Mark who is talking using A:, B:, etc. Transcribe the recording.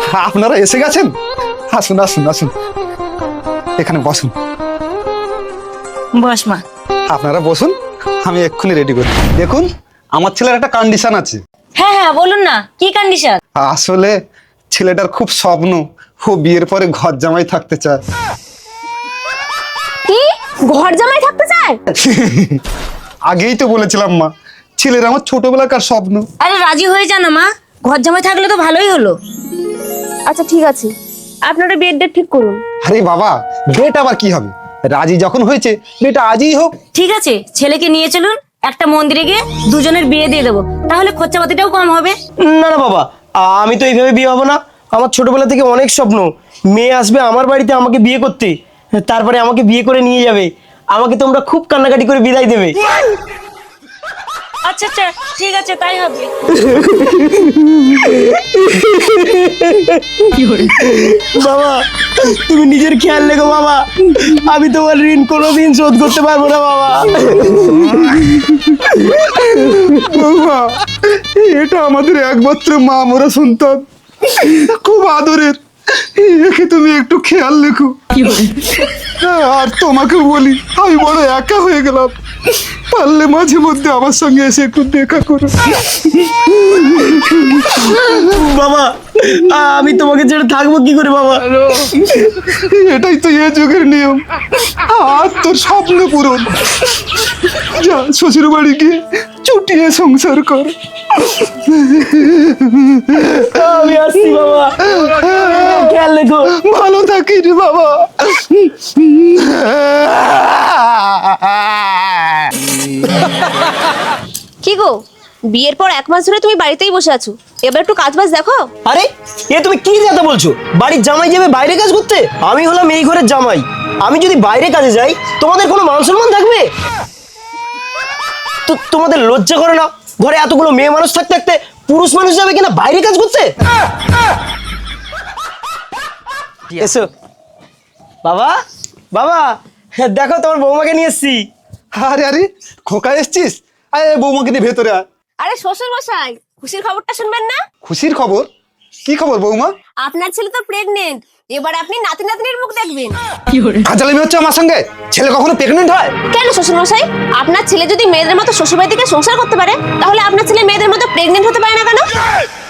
A: আপনারা এসে গেছেন? আসুন আসুন আসুন, এখানে বসুন।
B: বস মা।
A: আপনারা বসুন, আমি এক্ষুনি রেডি করি। দেখুন, আমার ছেলের একটা কন্ডিশন আছে।
B: হ্যাঁ হ্যাঁ বলুন না, কি কন্ডিশন?
A: আসলে ছেলেটার খুব স্বপ্ন, ও বিয়ের পরে ঘর জামাই থাকতে চায়।
C: কি ঘর জামাই থাকতে চায়?
A: আগেই তো বলেছিলাম মা, ছেলের আমার ছোটবেলাকার স্বপ্ন।
B: আরে রাজি হয়ে যা না মা, ঘর জামাই থাকলে তো ভালোই হলো।
C: আচ্ছা ঠিক আছে, আপনারা বিয়ের ডেট ঠিক করুন।
A: আরে বাবা, ডেট আবার কি হবে, রাজি যখন হয়েছে ডেট আজই হোক।
B: ঠিক আছে, ছেলেকে নিয়ে চলুন, একটা মন্দিরে গিয়ে দুজনের বিয়ে দিয়ে দেবো, তাহলে খরচাপাতিটাও কম হবে।
D: না না বাবা, আমি তো এইভাবে বিয়ে হবো না। আমার ছোটবেলা থেকে অনেক স্বপ্ন, মেয়ে আসবে আমার বাড়িতে আমাকে বিয়ে করতে, তারপরে আমাকে বিয়ে করে নিয়ে যাবে, আমাকে তোমরা খুব কান্নাকাটি করে বিদায় দেবে।
B: আচ্ছা আচ্ছা ঠিক আছে, তাই হবে।
D: বাবা তুমি নিজের খেয়াল রেখো বাবা, আমি তোমার ঋণ কোনোদিন শোধ করতে পারবো না বাবা।
A: বাবা, এটা আমাদের একমাত্র মা মরা সন্তান, খুব আদরের, একে তুমি একটু খেয়াল রেখো। আর তোমাকে বলি, আমি বড় একা হয়ে গেলাম, পারলে মাঝে মধ্যে আমার সঙ্গে এসে একটু দেখা করো।
D: বাবা আমি তোমাকে ছেড়ে থাকবো কি করে বাবা?
A: এটাই তো এ যুগের নিয়ম, আর তোর স্বপ্ন পূরণ। যা শ্বশুর বাড়ি গিয়ে চুটিয়ে সংসার কর।
D: আমি আসছি বাবা, খেয়াল রেখো।
A: ভালো থাকিস বাবা।
C: কি গো, বিয়ের পর 1 মাস ধরে তুমি বাড়িতেই বসে আছো, এবার একটু কাজ বাজ দেখো।
D: আরে এ তুমি কি কথা বলছো? বাড়ির জামাই যাবে বাইরে কাজ করতে? আমি হলাম এই ঘরের জামাই, আমি যদি বাইরে কাজে যাই তোমাদের কোনো মান সম্মান থাকবে? তো তোমাদের লজ্জা করে না? ঘরে এতগুলো মেয়ে মানুষ থাকতে থাকতে পুরুষ মানুষ যাবে কিনা বাইরে কাজ করতে? এসো বাবা, বাবা দেখো তোমার বৌমাকে নিয়ে এসছি।
A: আরে আরে, খোকা এসছিস? আরে বৌমাকে নিয়ে ভেতরে আয়।
C: আরে শ্বশুর মশাই, খুশির খবরটা শুনবেন না?
A: খুশির খবর? কি খবর বৌমা?
C: আপনার ছেলে তো প্রেগনেন্ট, এবার আপনি নাতি নাতনির মুখ দেখবেন।
A: কাজালামি হচ্ছে আমার সঙ্গে? ছেলে কখনো প্রেগনেন্ট হয়?
C: কেন শ্বশুর মশাই, আপনার ছেলে যদি মেয়েদের মতো শ্বশুরবাড়ি থেকে সংসার করতে পারে, তাহলে আপনার ছেলে মেয়েদের মতো প্রেগনেন্ট হতে পারে না কেন?